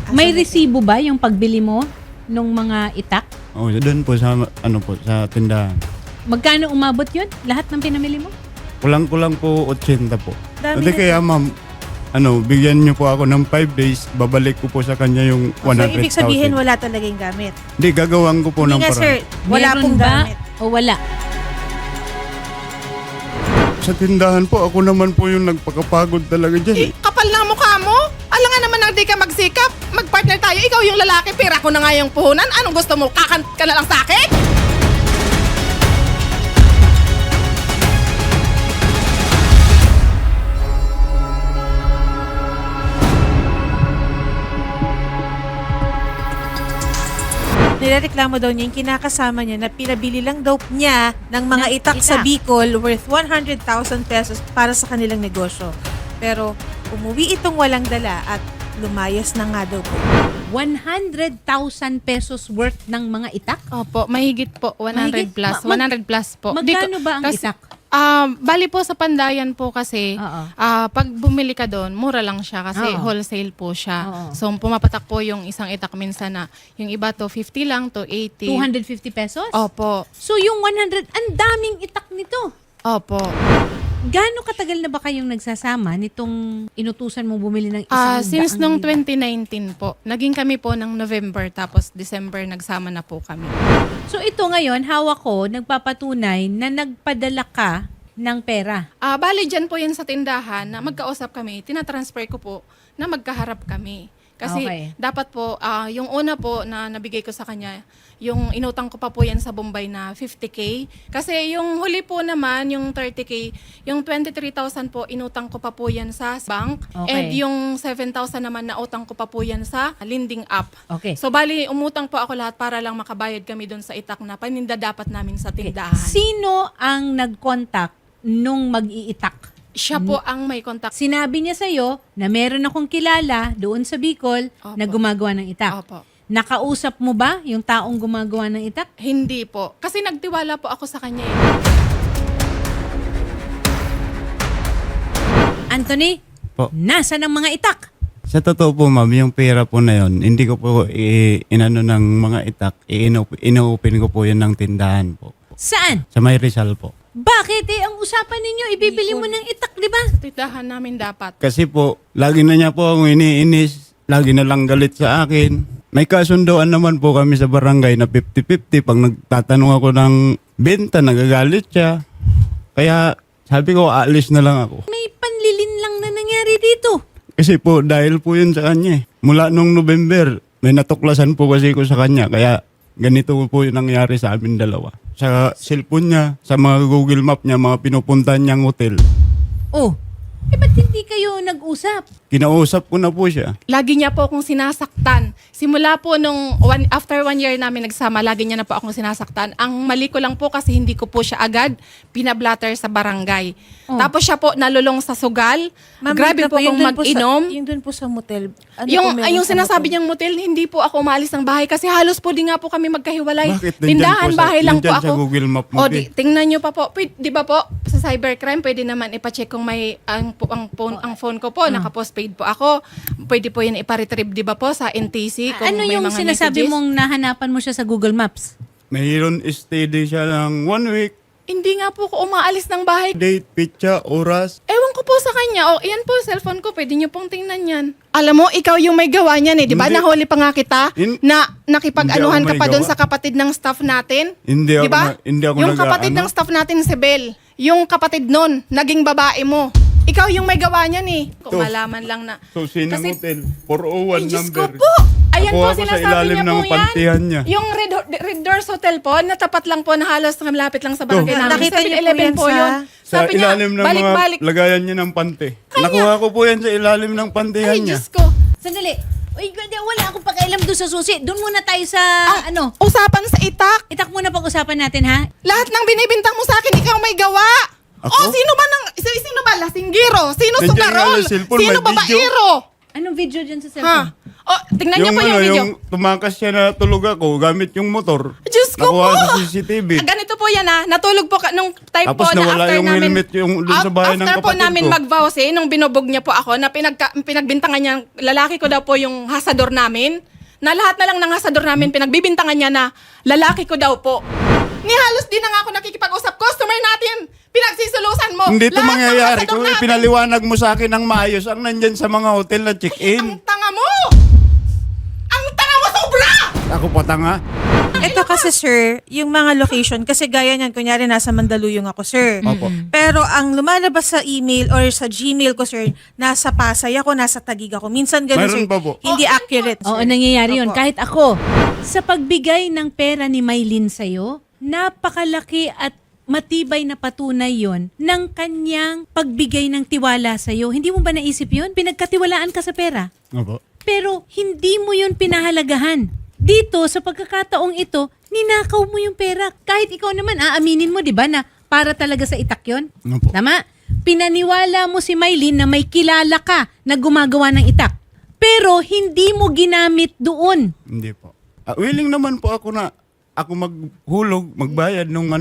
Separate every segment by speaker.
Speaker 1: May resibo ba yung pagbili mo nung mga itak?
Speaker 2: Oh, doon po sa sa tindahan.
Speaker 1: Magkano umabot yun? Lahat ng pinamili mo?
Speaker 2: Kulang-kulang po 80 po.
Speaker 3: Dami
Speaker 2: Hindi
Speaker 3: na-
Speaker 2: kaya ma'am, bigyan niyo po ako ng 5 days, babalik ko po sa kanya yung 100,000.
Speaker 3: So, ibig sabihin, wala talagang gamit.
Speaker 2: Hindi, gagawin ko po
Speaker 3: Hindi
Speaker 2: ng
Speaker 3: nga,
Speaker 2: paraan.
Speaker 3: sir. Wala
Speaker 1: Meron
Speaker 3: pong
Speaker 1: ba
Speaker 3: gamit.
Speaker 1: o wala?
Speaker 2: Sa tindahan po, ako naman po yung nagpakapagod talaga dyan.
Speaker 4: Kapal na mukha mo. Alam nga naman na di ka magsikap. Mag-partner tayo. Ikaw yung lalaki, pera ko na nga yung puhunan. Anong gusto mo? Kakant ka na lang sa akin?
Speaker 3: Nirereklamo daw niya yung kinakasama niya na pinabili lang daw niya ng mga
Speaker 1: Ng
Speaker 3: itak sa
Speaker 1: itak.
Speaker 3: Bicol worth 100,000 pesos para sa kanilang negosyo. Pero umuwi itong walang dala at lumayas na nga daw po.
Speaker 1: 100,000 pesos worth ng mga itak?
Speaker 5: Opo, mahigit po. 100
Speaker 1: Mahigit?
Speaker 5: plus.
Speaker 1: Ma-
Speaker 5: 100 plus po.
Speaker 1: Magkano ba ang itak?
Speaker 5: Bali po sa Pandayan po kasi,
Speaker 1: Oo.
Speaker 5: pag bumili ka doon, mura lang siya kasi
Speaker 1: Oo.
Speaker 5: wholesale po siya.
Speaker 1: Oo.
Speaker 5: So, pumapatak po yung isang itak minsan na yung iba to 50 lang to 80.
Speaker 1: 250 pesos?
Speaker 5: Opo.
Speaker 1: So yung 100, ang daming itak nito.
Speaker 5: Opo.
Speaker 1: Gaano katagal na ba kayong nagsasama nitong inutusan mo bumili ng isang
Speaker 5: Since
Speaker 1: daang
Speaker 5: nung
Speaker 1: libo?
Speaker 5: 2019 po, naging kami po ng November tapos December nagsama na po kami.
Speaker 1: So ito ngayon, hawak ko, nagpapatunay na nagpadala ka ng pera.
Speaker 5: Bali dyan po yan sa tindahan na magkausap kami, tinatransfer ko po na magkaharap kami. Kasi
Speaker 1: Okay.
Speaker 5: dapat po, yung una po na nabigay ko sa kanya, yung inutang ko pa po yan sa Bombay na 50K. Kasi yung huli po naman, yung 30K, yung 23,000 po, inutang ko pa po yan sa bank.
Speaker 1: Okay.
Speaker 5: And yung 7,000 naman na utang ko pa po yan sa lending app.
Speaker 1: Okay.
Speaker 5: So bali, umutang po ako lahat para lang makabayad kami doon sa itak na paninda dapat namin sa tindahan.
Speaker 1: Sino ang nag-contact nung mag-iitak?
Speaker 5: Siya po ang may contact.
Speaker 1: Sinabi niya sa'yo na meron akong kilala doon sa Bicol
Speaker 5: Opo.
Speaker 1: na gumagawa ng itak.
Speaker 5: Opo.
Speaker 1: Nakausap mo ba yung taong gumagawa ng itak?
Speaker 5: Hindi po. Kasi nagtiwala po ako sa kanya.
Speaker 1: Anthony,
Speaker 2: Po.
Speaker 1: nasa ng mga itak?
Speaker 2: Sa totoo po ma'am, yung pera po na yon, hindi ko po inano ng mga itak, inopen ko po yan ng tindahan po.
Speaker 1: Saan?
Speaker 2: Sa May Rizal po.
Speaker 1: Bakit ang usapan ninyo, ibibili mo ng itak, di ba?
Speaker 5: Tindahan namin dapat.
Speaker 2: Kasi po, lagi na niya po akong iniinis, lagi na lang galit sa akin. May kasundoan naman po kami sa barangay na 50-50. Pag nagtatanong ako ng benta, nagagalit siya. Kaya sabi ko, aalis na lang ako.
Speaker 1: May panlilin lang na nangyari dito.
Speaker 2: Kasi po, dahil po yun sa kanya. Mula nung November, may natuklasan po kasi ko sa kanya. Kaya ganito po yung nangyari sa amin dalawa. Sa cellphone niya, sa mga Google Map niya, mga pinupuntahan niyang hotel.
Speaker 1: Oh, ba't hindi kayo nag-usap?
Speaker 2: Kinausap ko na po siya.
Speaker 5: Lagi niya po akong sinasaktan. Simula po nung after 1 year namin nagsama, lagi niya na po akong sinasaktan. Ang mali ko lang po kasi hindi ko po siya agad pinablatter sa barangay.
Speaker 1: Oh.
Speaker 5: Tapos siya po nalulong sa sugal. Grabe po akong mag-inom.
Speaker 3: Yung dun po sa motel. Ano
Speaker 5: Yung sinasabi niyang motel, hindi po ako umalis ng bahay kasi halos po di nga po kami magkahiwalay.
Speaker 2: Bakit? Nandyan
Speaker 5: Tindahan,
Speaker 2: po sa-
Speaker 5: bahay lang po
Speaker 2: nandyan
Speaker 5: ako.
Speaker 2: sa Google Map mo,
Speaker 5: O,
Speaker 2: Bi.
Speaker 5: tingnan niyo pa po. Di ba po, sa cybercrime, pwede naman ipacheck kung may ang phone ko po, naka-postpaid po ako. Pwede po yan iparetrieve, di ba po, sa NTC. Kung
Speaker 1: Ano
Speaker 5: may
Speaker 1: yung
Speaker 5: mga
Speaker 1: sinasabi
Speaker 5: messages.
Speaker 1: mong nahanapan mo siya sa Google Maps?
Speaker 2: Mayroon steady siya ng 1 week.
Speaker 5: Hindi nga po ako umaalis ng bahay.
Speaker 2: Date, pitcha, oras.
Speaker 5: Ewan ko po sa kanya. O, iyan po, cellphone ko. Pwede niyo pong tingnan yan. Alam mo, ikaw yung may gawa niyan eh. Di ba?
Speaker 2: Hindi.
Speaker 5: Nahuli pa nga kita na nakipag-anuhan
Speaker 2: Hindi ako
Speaker 5: ka pa
Speaker 2: may
Speaker 5: doon
Speaker 2: gawa.
Speaker 5: sa kapatid ng staff natin.
Speaker 2: Hindi ako
Speaker 5: Di ba?
Speaker 2: hindi ako
Speaker 5: Yung kapatid ng staff natin, si Bel. Yung kapatid nun, naging babae mo. Ikaw yung may gawa niyan eh. Kung
Speaker 2: To.
Speaker 5: malaman lang na.
Speaker 2: So, sinang
Speaker 5: Kasi-
Speaker 2: hotel? 401
Speaker 5: Ay, Diyos ko
Speaker 2: number.
Speaker 5: po! Ayan
Speaker 2: Nakuha
Speaker 5: po,
Speaker 2: ko sa
Speaker 5: sinasabi
Speaker 2: ilalim
Speaker 5: niya
Speaker 2: ng
Speaker 5: po
Speaker 2: pantihan niya.
Speaker 5: yan. Yung Red Doors Hotel po, natapat lang po na halos malapit lang sa barangay
Speaker 2: To.
Speaker 5: namin.
Speaker 3: Nakita niyo po
Speaker 5: 7-Eleven
Speaker 3: yan
Speaker 5: po
Speaker 3: sa-
Speaker 5: yun.
Speaker 2: Sa
Speaker 5: Sabi niya,
Speaker 2: ilalim ng
Speaker 5: balik-balik.
Speaker 2: mga lagayan niya ng pante. Nakuha ko po yan sa ilalim ng pantihan
Speaker 5: Ay,
Speaker 2: niya.
Speaker 5: Diyos ko.
Speaker 1: Sandali. Uy, wala akong pakialam doon sa susi. Doon muna tayo sa, ano,
Speaker 5: Usapan sa itak.
Speaker 1: itak muna pag-usapan natin, ha?
Speaker 5: Lahat ng binibintang mo sa akin, ikaw may gawa.
Speaker 2: Ako?
Speaker 5: Oh, sino ba lasingero? Sino
Speaker 2: Nandiyan nga
Speaker 5: sugarol?
Speaker 2: yung cellphone,
Speaker 5: Sino
Speaker 2: may video.
Speaker 5: babaero?
Speaker 1: Anong video dyan sa
Speaker 5: Ha?
Speaker 1: cellphone?
Speaker 5: Oh, tingnan niyo po yung video.
Speaker 2: yung tumakas siya na tulog ako gamit yung motor.
Speaker 5: Diyos ko
Speaker 2: Nakuha
Speaker 5: po!
Speaker 2: sa CCTV.
Speaker 5: Ganito po yan natulog po nung time
Speaker 2: Tapos
Speaker 5: po na
Speaker 2: nawala
Speaker 5: after
Speaker 2: yung
Speaker 5: namin,
Speaker 2: helmet yung dun sa bahay ng
Speaker 5: after po
Speaker 2: kapatid
Speaker 5: namin
Speaker 2: ko.
Speaker 5: mag-vows nung binubog niya po ako, na pinagbintangan niya, lalaki ko daw po yung hasador namin, na lahat na lang ng hasador namin, pinagbibintangan niya na lalaki ko daw po. Ni halos di na nga ako nakikipag-usap, customer natin, pinagsisulusan mo.
Speaker 2: Hindi ito
Speaker 5: Lahat ng
Speaker 2: mangyayari
Speaker 5: hasador
Speaker 2: kung
Speaker 5: namin.
Speaker 2: pinaliwanag mo sa akin ng maayos ang nandyan sa mga hotel na
Speaker 5: Ang
Speaker 2: check-in.
Speaker 5: tanga mo! Ang tanga mo sobra!
Speaker 2: Ako pa tanga.
Speaker 3: Ito kasi sir, yung mga location, kasi gaya niyan, kunyari nasa Mandaluyong ako sir.
Speaker 2: Opo.
Speaker 3: Pero ang lumalabas sa email or sa Gmail ko sir, nasa Pasay ako, nasa Taguig ako. Minsan ganun
Speaker 2: Mayroon
Speaker 3: sir,
Speaker 2: pa po.
Speaker 3: hindi accurate sir.
Speaker 1: Oo, nangyayari yun.
Speaker 3: Opo.
Speaker 1: Kahit ako, sa pagbigay ng pera ni Maylin sa'yo, napakalaki at matibay na patunay yon ng kanyang pagbigay ng tiwala sa'yo. Hindi mo ba naisip yun? Pinagkatiwalaan ka sa pera.
Speaker 2: Opo.
Speaker 1: Pero hindi mo yun pinahalagahan. Dito, sa pagkakataong ito, ninakaw mo yung pera. Kahit ikaw naman, aaminin mo, di ba, na para talaga sa itak yun?
Speaker 2: Opo.
Speaker 1: Tama? Pinaniwala mo si Maylin na may kilala ka na gumagawa ng itak. Pero hindi mo ginamit doon.
Speaker 2: Hindi po. Willing naman po ako na ako maghulog, magbayad nung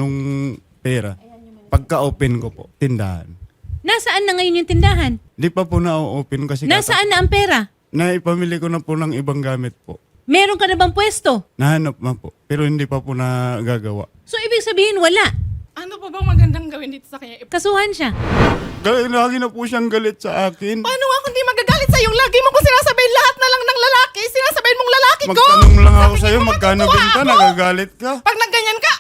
Speaker 2: pera. Pagka-open ko po, tindahan.
Speaker 1: Nasaan na ngayon yung tindahan?
Speaker 2: Di pa po na-open kasi
Speaker 1: Nasaan na ang pera?
Speaker 2: naipamili ko na po ng ibang gamit po.
Speaker 1: Meron ka na bang pwesto?
Speaker 2: Nahanap na po. Pero hindi pa po nagagawa.
Speaker 1: So, ibig sabihin, wala.
Speaker 5: Ano pa bang magandang gawin dito sa kanya?
Speaker 1: Kasuhan siya.
Speaker 2: Lagi na po siyang galit sa akin.
Speaker 5: Paano nga kung di magagalit sa'yo? Lagi mo ko sinasabihin lahat na lang ng lalaki. Sinasabihin mong lalaki ko.
Speaker 2: Magtanong lang ako
Speaker 5: Sabi
Speaker 2: sa'yo,
Speaker 5: ko,
Speaker 2: magkano
Speaker 5: matutuwa
Speaker 2: benta,
Speaker 5: ako.
Speaker 2: nagagalit ka.
Speaker 5: Pag nagganyan ka,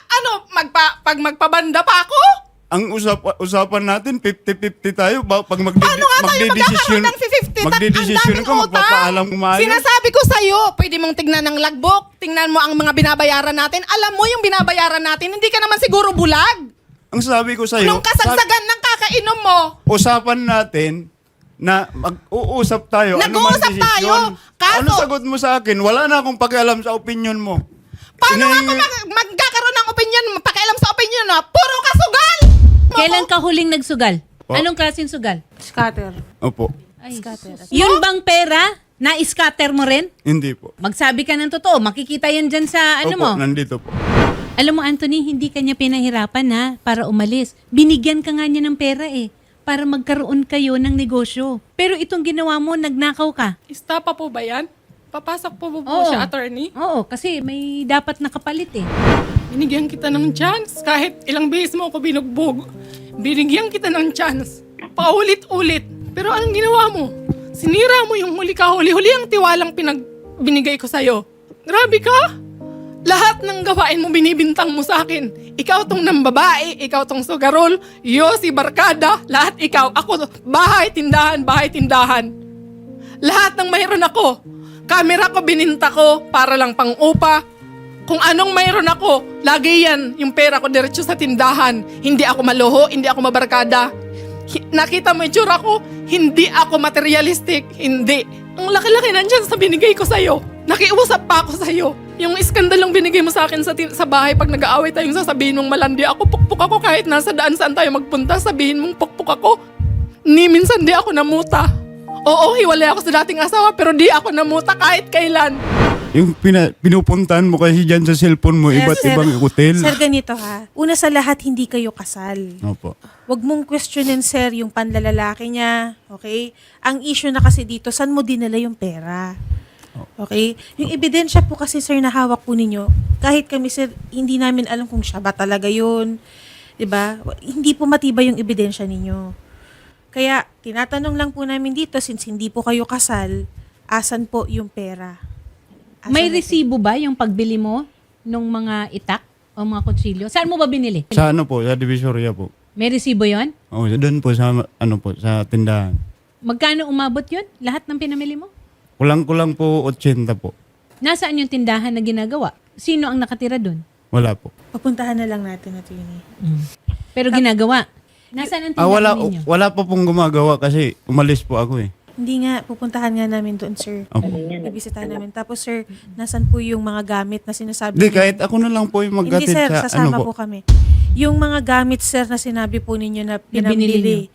Speaker 5: pag magpabanda pa ako?
Speaker 2: Ang usapan natin, 50-50 tayo. Pag
Speaker 5: Paano nga tayo magkakaroon ng 50?
Speaker 2: magdidesisyon ka, magpapaalam kumain.
Speaker 5: Sinasabi ko sa'yo, pwede mong tignan ng logbook, tingnan mo ang mga binabayaran natin. Alam mo yung binabayaran natin, hindi ka naman siguro bulag.
Speaker 2: Ang sabi ko sa'yo,
Speaker 5: Nung kasagsagan ng kakainom mo,
Speaker 2: usapan natin na mag-uusap tayo.
Speaker 5: Nag-uusap
Speaker 2: ano man
Speaker 5: tayo,
Speaker 2: desisyon.
Speaker 5: kaso-
Speaker 2: Ano sagot mo sa akin? Wala na akong pakialam sa opinion mo.
Speaker 5: paano nga ako
Speaker 2: Inahingi-
Speaker 5: magkakaroon ng opinion, pakialam sa opinion na, puro kasugal!
Speaker 1: Kailan ka huling nagsugal?
Speaker 2: Po.
Speaker 1: Anong klaseng sugal?
Speaker 3: Scatter.
Speaker 2: Opo.
Speaker 1: Ay, yun bang pera? Na-scatter mo rin?
Speaker 2: Hindi po.
Speaker 1: Magsabi ka ng totoo. Makikita yan dyan sa ano
Speaker 2: Opo,
Speaker 1: mo.
Speaker 2: nandito po.
Speaker 1: Alam mo, Anthony, hindi kanya pinahirapan ha para umalis. Binigyan ka nga niya ng pera para magkaroon kayo ng negosyo. Pero itong ginawa mo, nagnakaw ka.
Speaker 5: Istapa po ba yan? Papasok po
Speaker 1: Oo.
Speaker 5: siya, attorney?
Speaker 1: Oo, kasi may dapat nakapalit
Speaker 5: Binigyan kita ng chance. Kahit ilang beses mo ako binugbog, binigyan kita ng chance. Paulit-ulit. Pero anong ginawa mo? Sinira mo yung huli ka. Huli-huli ang tiwalang binigay ko sa'yo. Grabe ka! Lahat ng gawain mo binibintang mo sa akin. Ikaw tong nambabae, ikaw tong sugarol, si barkada, lahat ikaw. Ako, bahay, tindahan. Lahat ng mayroon ako. Camera ko bininta ko para lang pang upa. Kung anong mayroon ako, lagi yan, yung pera ko diretso sa tindahan. Hindi ako maluho, hindi ako mabarkada. Nakita mo yung tsura ko, hindi ako materialistic, hindi. Ang laki-laki nandyan sa binigay ko sa'yo. Nakiusap pa ako sa'yo. Yung iskandalong binigay mo sa akin sa bahay pag nag-aaway tayong sasabihin mong malandi ako, pukpuk ako kahit nasa daan saan tayo magpunta, sabihin mong pukpuk ako. Ni minsan di ako namuta. Oo, hiwalay ako sa dating asawa pero di ako namuta kahit kailan.
Speaker 2: Yung pinupuntahan mo kasi dyan sa cellphone mo, iba't
Speaker 3: Sir,
Speaker 2: ibang hotel.
Speaker 3: Sir, ganito ha. Una sa lahat, hindi kayo kasal.
Speaker 2: Opo.
Speaker 3: Huwag mong questionin, sir, yung panlalalaki niya. Okay? Ang issue na kasi dito, saan mo dinala yung pera? Okay? Yung ebidensya po kasi, sir, na hawak po ninyo, kahit kami, sir, hindi namin alam kung siya ba talaga yun. 'Di ba? Hindi po matibay yung ebidensya ninyo. Kaya, tinatanong lang po namin dito, since hindi po kayo kasal, asan po yung pera? Asan
Speaker 1: May
Speaker 3: na-
Speaker 1: resibo ba yung pagbili mo nung mga itak o mga kutsilyo? Saan mo ba binili?
Speaker 2: Sa sa Divisoria po.
Speaker 1: May resibo yon?
Speaker 2: Oh, doon po sa sa tindahan.
Speaker 1: Magkano umabot yun? Lahat ng pinamili mo?
Speaker 2: Kulang-kulang po 80 po.
Speaker 1: Nasaan yung tindahan na ginagawa? Sino ang nakatira doon?
Speaker 2: Wala po.
Speaker 3: Papuntahan na lang natin na yun.
Speaker 1: Pero ginagawa. Nasaan ang tindahan ninyo?
Speaker 2: Wala pa pong gumagawa kasi umalis po ako eh.
Speaker 3: Hindi nga, pupuntahan nga namin doon, sir.
Speaker 2: Opo.
Speaker 3: Bibisitahin namin. Tapos, sir, nasan po yung mga gamit na sinasabi
Speaker 2: Hindi,
Speaker 3: ninyo?
Speaker 2: kahit ako na lang po yung
Speaker 3: Hindi,
Speaker 2: magkatid
Speaker 3: sir,
Speaker 2: sa
Speaker 3: sasama
Speaker 2: ano po.
Speaker 3: po kami. Yung mga gamit, sir, na sinabi po ninyo na
Speaker 1: binili
Speaker 3: pinambili,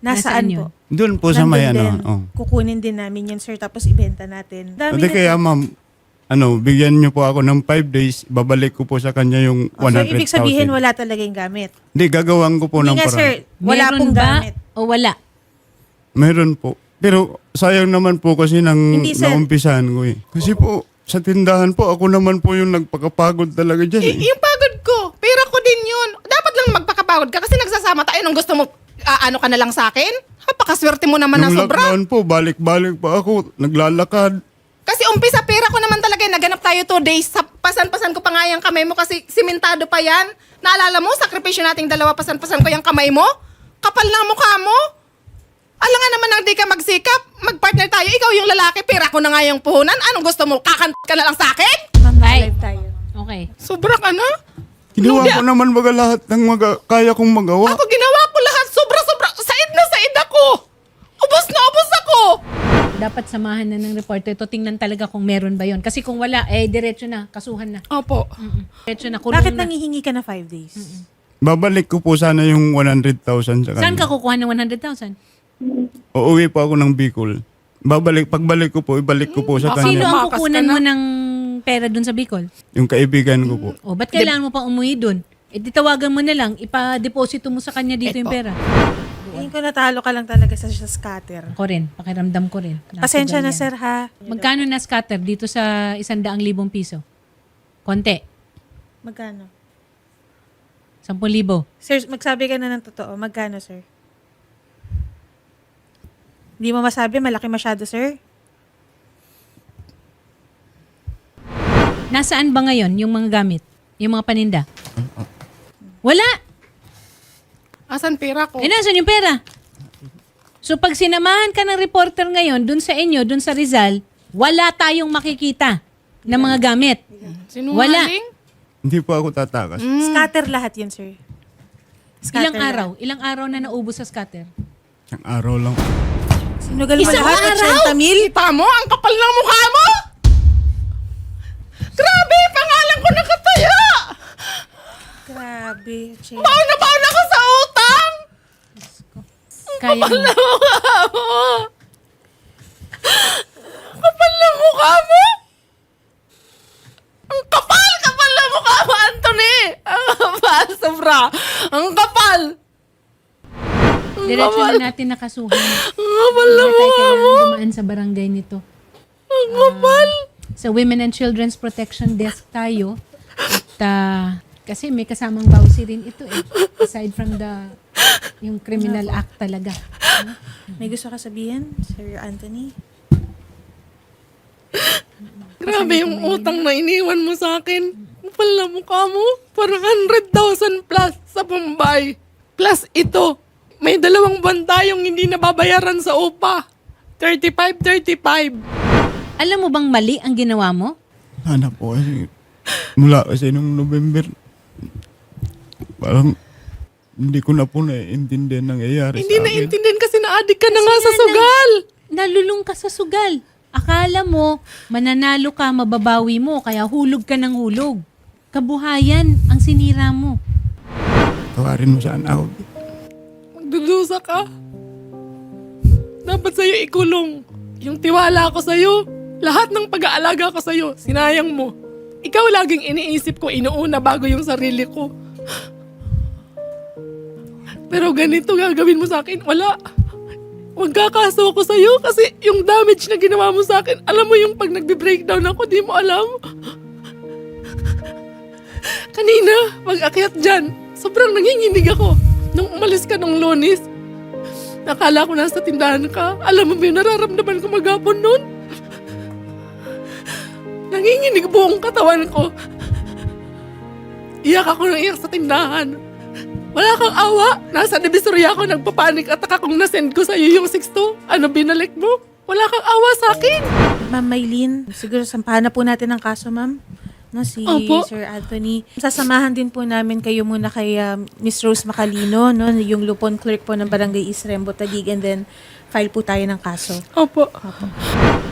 Speaker 3: Nasaan
Speaker 1: Nasaan
Speaker 3: po?
Speaker 2: Doon po sa may
Speaker 3: Nandun din.
Speaker 2: ano. Oh.
Speaker 3: Kukunin din namin yan, sir, tapos ibenta natin. Dami
Speaker 2: Hindi
Speaker 3: na-
Speaker 2: kaya ma'am, bigyan niyo po ako ng 5 days, babalik ko po sa kanya yung
Speaker 3: Oh, so,
Speaker 2: 100,000.
Speaker 3: ibig sabihin, wala talaga yung gamit.
Speaker 2: Hindi, gagawan ko po ng
Speaker 3: Hindi nga,
Speaker 2: paraan.
Speaker 3: sir. Wala
Speaker 1: Meron
Speaker 3: pong
Speaker 1: ba
Speaker 3: gamit.
Speaker 1: o wala?
Speaker 2: Meron po. Pero sayang naman po kasi
Speaker 3: Hindi, sir.
Speaker 2: naumpisahan ko eh. Kasi po, sa tindahan po, ako naman po yung nagpakapagod talaga dyan eh.
Speaker 4: Yung pagod ko, pera ko din yun. Dapat lang magpakapagod ka kasi nagsasama tayo nung gusto mo, ano ka na lang sa akin? Napakaswerte mo naman
Speaker 2: Yung
Speaker 4: ng sobra.
Speaker 2: lockdown po, balik-balik pa ako, naglalakad.
Speaker 4: Kasi umpisa, pera ko naman talaga. Naganap tayo 2 days. Pasan-pasan ko pa nga yung kamay mo kasi simentado pa yan. Naalala mo, sakripisyo nating dalawa, pasan-pasan ko yung kamay mo. Kapal na ang mukha mo. Alam nga naman na di ka magsikap. Mag-partner tayo. Ikaw yung lalaki, pera ko na nga yung puhunan. Anong gusto mo? Kakant ka na lang sa akin?
Speaker 3: Ma'am,
Speaker 1: Ay.
Speaker 3: live tayo.
Speaker 1: Okay.
Speaker 4: Sobra ka na.
Speaker 2: Ginawa ko naman baga lahat ng kaya kong magawa.
Speaker 4: Ako ginawa ko lahat. Sobra-sobra. Said na said ako. Ubus na ubus ako.
Speaker 1: Dapat samahan na ng reporter ito. Tingnan talaga kung meron ba yon. Kasi kung wala, diretso na. Kasuhan na.
Speaker 4: Opo.
Speaker 1: Diretso na. Kulong
Speaker 3: Bakit
Speaker 1: na.
Speaker 3: nangihingi ka na 5 days?
Speaker 2: Babalik ko po sana yung 100,000 sa
Speaker 1: Saan ka
Speaker 2: kanya.
Speaker 1: kukuha ng 100,000?
Speaker 2: Uuwi po ako ng Bicol. Pagbalik ko po, ibalik ko po sa
Speaker 1: Sino
Speaker 2: kanya.
Speaker 1: ang
Speaker 4: Tumakas
Speaker 1: kukunan
Speaker 4: ka na.
Speaker 1: mo ng pera dun sa Bicol?
Speaker 2: Yung kaibigan ko po.
Speaker 1: O, ba't kailangan mo pa umuwi dun? Di tawagan mo na lang, ipa-deposito mo sa kanya dito yung pera.
Speaker 3: Tingin ko natalo ka lang talaga sa scatter.
Speaker 1: Ako rin, pakiramdam ko rin.
Speaker 3: Pasensya na,
Speaker 1: Yan.
Speaker 3: sir, ha?
Speaker 1: Magkano na scatter dito sa 100,000 piso? Konti.
Speaker 3: Magkano?
Speaker 1: 10,000.
Speaker 3: Sir, magsabi ka na ng totoo. Magkano, sir? Hindi mo masabi, malaki masyado, sir.
Speaker 1: Nasaan ba ngayon yung mga gamit? Yung mga paninda? Wala!
Speaker 4: Asan pera ko?
Speaker 1: Nasaan yung pera? So pag sinamahan ka ng reporter ngayon dun sa inyo, dun sa Rizal, wala tayong makikita ng mga gamit.
Speaker 4: Sinungaling?
Speaker 2: Hindi po ako tatakas.
Speaker 3: Scatter lahat yun, sir. Scatter
Speaker 1: Ilang araw? Ilang araw na naubos sa scatter?
Speaker 2: Isang araw lang.
Speaker 3: Sinugal mo
Speaker 1: Isang
Speaker 3: lahat,
Speaker 1: araw?
Speaker 3: 80 mil?
Speaker 4: Kita mo? Ang kapal ng mukha mo! Grabe! Pangalan ko nakataya!
Speaker 3: Grabe, Che.
Speaker 4: Baon na baon ako sa utang!
Speaker 1: Kaya mo.
Speaker 4: Mukha mo! Kapal ng mukha mo! Ang kapal! Kapal ng mukha mo, Anthony! Ang kapal, sobra! Ang kapal! Ang
Speaker 1: Diretso
Speaker 4: kapal!
Speaker 1: na natin nakasuhan.
Speaker 4: Ang kapal ng
Speaker 1: Hindi na tayo
Speaker 4: mukha mo!
Speaker 1: kailangan dumaan sa barangay nito.
Speaker 4: Ang kapal!
Speaker 1: Sa Women and Children's Protection Desk tayo. At kasi may kasamang bawsi rin ito eh. Aside from yung criminal act talaga.
Speaker 3: May gusto ka sabihin, Sir Anthony?
Speaker 4: Grabe yung utang na iniwan mo sa akin. Kapal na mukha mo. Parang 100,000 plus sa Bombay. Plus ito, may 2 buwan tayong hindi nababayaran sa upa. 35.
Speaker 1: Alam mo bang mali ang ginawa mo?
Speaker 2: Sana po kasi, mula kasi nung November, parang hindi ko na po naiintindihan nangyayari
Speaker 4: Hindi
Speaker 2: sa akin.
Speaker 4: naiintindihan kasi na-addict ka na nga sa
Speaker 1: Kasi
Speaker 4: sugal.
Speaker 1: Nalulung ka sa sugal. Akala mo, mananalo ka, mababawi mo, kaya hulog ka ng hulog. Kabuhayan ang sinira mo.
Speaker 2: Tawarin mo sana ako.
Speaker 4: Magdudusa ka. Dapat sa'yo ikulong. Yung tiwala ko sa'yo, lahat ng pag-aalaga ko sa'yo, sinayang mo. Ikaw laging iniisip ko, inuuna bago yung sarili ko. Pero ganito gagawin mo sa akin, wala. Magkakaso ako sa'yo kasi yung damage na ginawa mo sa akin, alam mo yung pag nagbe-breakdown ako, di mo alam. Kanina, pag-akyat dyan, sobrang nanginginig ako. Nung umalis ka ng Lunes, nakala ko nasa tindahan ka. Alam mo ba yung nararamdaman ko maghapon nun? Nanginginig buong katawan ko. Iyak ako ng iyak sa tindahan. Wala kang awa. Nasa Divisoria ako nagpapanik at akong nasend ko sa'yo yung 6-2. Ano binalik mo? Wala kang awa sa akin.
Speaker 3: Ma'am Maylene, siguro sampahan na po natin ang kaso, ma'am. No, si
Speaker 4: Opo.
Speaker 3: Sir Anthony. Sasamahan din po namin kayo muna kay Miss Rose Macalino, no, yung lupon clerk po ng Barangay East Rembo, Taguig, and then file po tayo ng kaso.
Speaker 4: Opo.
Speaker 3: Opo.